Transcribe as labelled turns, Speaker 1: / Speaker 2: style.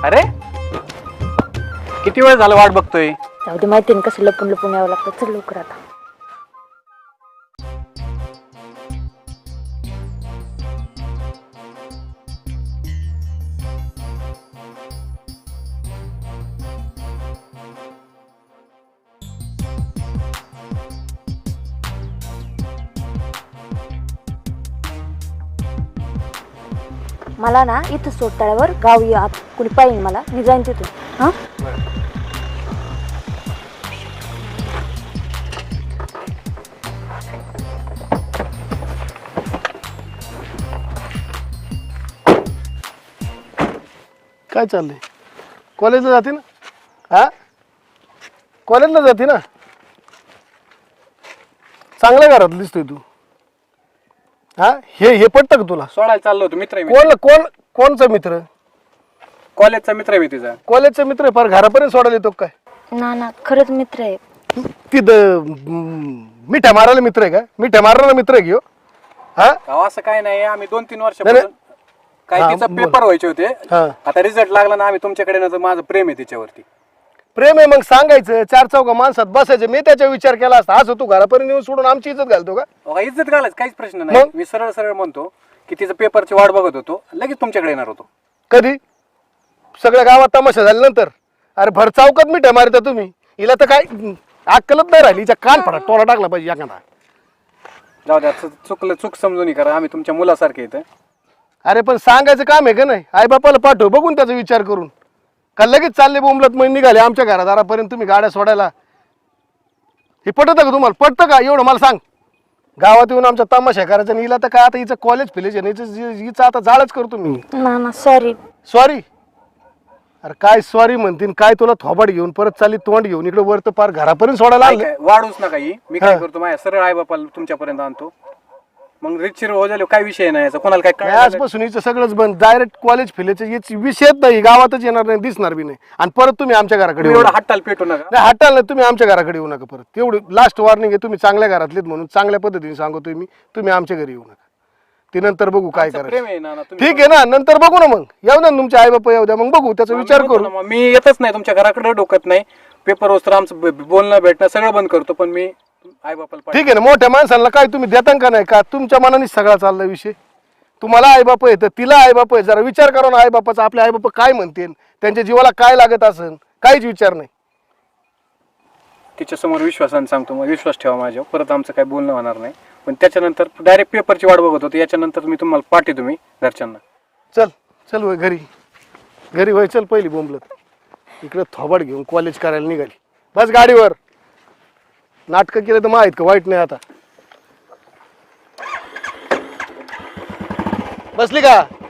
Speaker 1: अरे किती वेळ झाला वाट बघतोय.
Speaker 2: जाऊ दे, माहिती कसं लपून लपून यावं लागतं. चल लवकर आता. मला ना इथं सोडताळ्यावर गाव या कुणी पाहिजे मला, मी जाईन तिथून. हा
Speaker 3: काय चाललंय? कॉलेजला जाते ना? हा कॉलेजला जाते ना? चांगल्या घरात दिसतोय तू. हा हे पटतं का तुला?
Speaker 1: सोडायला चाललो होतो. मित्र आहे
Speaker 3: कोणचा मित्र?
Speaker 1: कॉलेजचा मित्र आहे मी तुझा.
Speaker 3: कॉलेजचा मित्र फार घरापर्यंत सोडायला येतो काय?
Speaker 2: ना खरंच मित्र आहे.
Speaker 3: तिथं मिठ्या मारायला मित्र आहे का? मिठ्या मारायला मित्र आहे घेऊ? हा
Speaker 1: असं काय नाही. आम्ही 2-3 वर्षापासून काय
Speaker 3: हा,
Speaker 1: तिचा
Speaker 3: बोल.
Speaker 1: पेपर व्हायचे होते.
Speaker 3: हा.
Speaker 1: आता रिझल्ट लागला ना, आम्ही तुमच्याकडे ना, तर माझं प्रेम आहे तिच्यावरती.
Speaker 3: प्रेम आहे मग सांगायचं. 4 चौघा माणसात बसायचं. मी त्याचा विचार केला असता. आज तू घरापर्यंत येऊन सोडून आमची इज्जत घालतो का?
Speaker 1: अहो, इज्जत घालायचं काहीच प्रश्न नाही.
Speaker 3: मग?
Speaker 1: मी सरळ सरळ म्हणतो की तिचं पेपरची वाट बघत होतो, लगेच तुमच्याकडे येणार होतो.
Speaker 3: कधी? सगळ्या गावात तमाशा झाल्यानंतर? अरे भर चौकात मिठ्या मारता तुम्ही. हिला तर काय अक्कलच नाही राहिली. हिच्या कान फडा टोला टाकला पाहिजे एखादा.
Speaker 1: जाऊ द्या, चुकलं चूक समजून करा. आम्ही तुमच्या मुलासारखे इथं.
Speaker 3: अरे पण सांगायचं काम आहे का नाही? आई बापाला पाठव बघून त्याचा विचार करून. का लगेच चालले बोंबलत मग निघाले आमच्या घरादारापर्यंत तुम्ही गाड्या सोडायला? हे पटतं का तुम्हाला? पटतं का एवढं मला सांग? गावात येऊन आमचा तमाशा करायचा आणि हिला तर काय आता हिचं कॉलेज फिलेज हिचं आता जाळच करतो मी.
Speaker 2: ना सॉरी.
Speaker 3: सॉरी? अरे काय सॉरी म्हणतीन काय? तुला थोबाड घेऊन परत चालली तोंड घेऊन इकडे वर तर पार घरापर्यंत सोडायला
Speaker 1: काय
Speaker 3: आलं.
Speaker 1: काय, वाढूच नका ही. मी काय
Speaker 3: हा.
Speaker 1: करतो, माझ्या सरळ आई बापाला तुमच्यापर्यंत आणतो. मग रितशीर हो झाले, काय विषय नाही याचा. कोणाला काय कळलं
Speaker 3: आजपासून हिचं सगळंच बंद. डायरेक्ट कॉलेज फिलेचे याची विषयच नाही. गावातच येणार नाही, दिसणार बी नाही. आणि परत तुम्ही आमच्या घराकडे
Speaker 1: तुम्ही
Speaker 3: येऊ
Speaker 1: एवढा
Speaker 3: नका.
Speaker 1: हट्टाल पेटू नका.
Speaker 3: नाही हटाल नाही. तुम्ही आमच्या घराकडे येऊ नका परत. तेवढी लास्ट वॉर्निंग आहे. तुम्ही चांगल्या घरातलेत म्हणून चांगल्या पद्धतीने सांगतोय मी. तुम्ही आमच्या घरी येऊ नका. ती नंतर बघू काय
Speaker 1: आमचं
Speaker 3: करायचं.
Speaker 1: प्रेम आहे ना तुम्ही.
Speaker 3: ठीक आहे ना? नंतर बघू ना. मग येऊ ना तुमचे आई बापा येऊ द्या. मग बघू त्याचा विचार
Speaker 1: मी म्हणतो
Speaker 3: करू.
Speaker 1: ना, मग मी येतच नाही तुमच्या घराकडे, डोकत नाही. पेपर वस्त्र आमचं बोलणं भेटणं सगळं बंद करतो. पण मी आई बापाला
Speaker 3: ठीक आहे ना? मोठ्या माणसांना काय तुम्ही देता का नाही? का तुमच्या मनाने सगळा चालला विषय? तुम्हाला आई बाप येतं, तिला आई बाप आहे. जरा विचार करा ना आई बापाचा. आपले आई बाप काय म्हणतील, त्यांच्या जीवाला काय लागत असेल, काहीच विचार नाही.
Speaker 1: तिच्या समोर विश्वासाने सांगतो, मग विश्वास ठेवा माझ्यावर. परत आमचं काही बोलणं होणार नाही. पण त्याच्यानंतर डायरेक्ट पेपरची वाट बघत होतो. याच्यानंतर मी तुम्हाला पाठवतो मी घरच्यांना.
Speaker 3: चल वय घरी वय. चल पहिली बोंबलत इकडे थोबाड घेऊन कॉलेज करायला निघाली. बस गाडीवर. नाटकं केलं तर माहीत का वाईट नाही. आता बसली का?